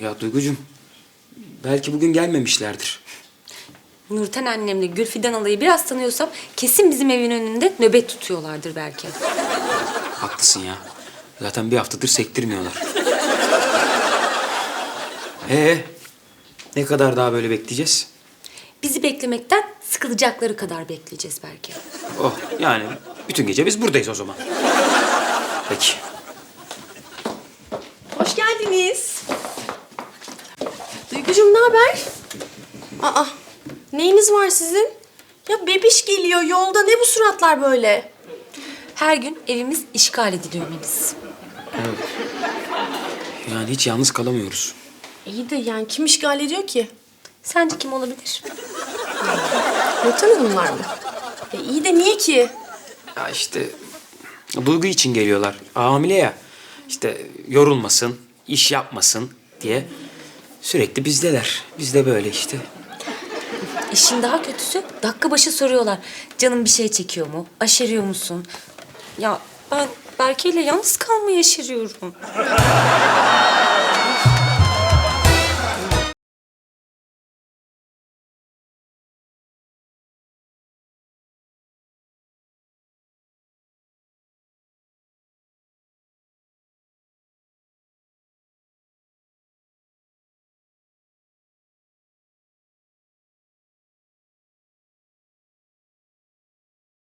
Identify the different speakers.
Speaker 1: Ya Duygucuğum, belki bugün gelmemişlerdir.
Speaker 2: Nurten annemle Gülfiden alayı biraz tanıyorsam kesin bizim evin önünde nöbet tutuyorlardır belki.
Speaker 1: Haklısın ya. Zaten bir haftadır sektirmiyorlar. Ne kadar daha böyle bekleyeceğiz?
Speaker 2: Bizi beklemekten sıkılacakları kadar bekleyeceğiz belki.
Speaker 1: Oh, yani bütün gece biz buradayız o zaman. Peki.
Speaker 3: Hoş geldiniz. Duygucuğum ne haber? Aa, neyiniz var sizin? Ya bebiş geliyor yolda, ne bu suratlar böyle?
Speaker 2: Her gün evimiz işgal ediliyor Melis.
Speaker 1: Yani hiç yalnız kalamıyoruz.
Speaker 3: İyi de yani kim işgal ediyor ki?
Speaker 2: Sence kim olabilir?
Speaker 3: Nurten Hanımlar mı? İyi de niye ki?
Speaker 1: Ya işte Duygu için geliyorlar. Hamile ya. İşte yorulmasın, iş yapmasın diye sürekli bizdeler. Biz de böyle işte.
Speaker 2: İşin daha kötüsü dakika başı soruyorlar. Canım bir şey çekiyor mu? Aşeriyor musun? Ya ben Berke'yle yalnız kalmayı aşeriyorum.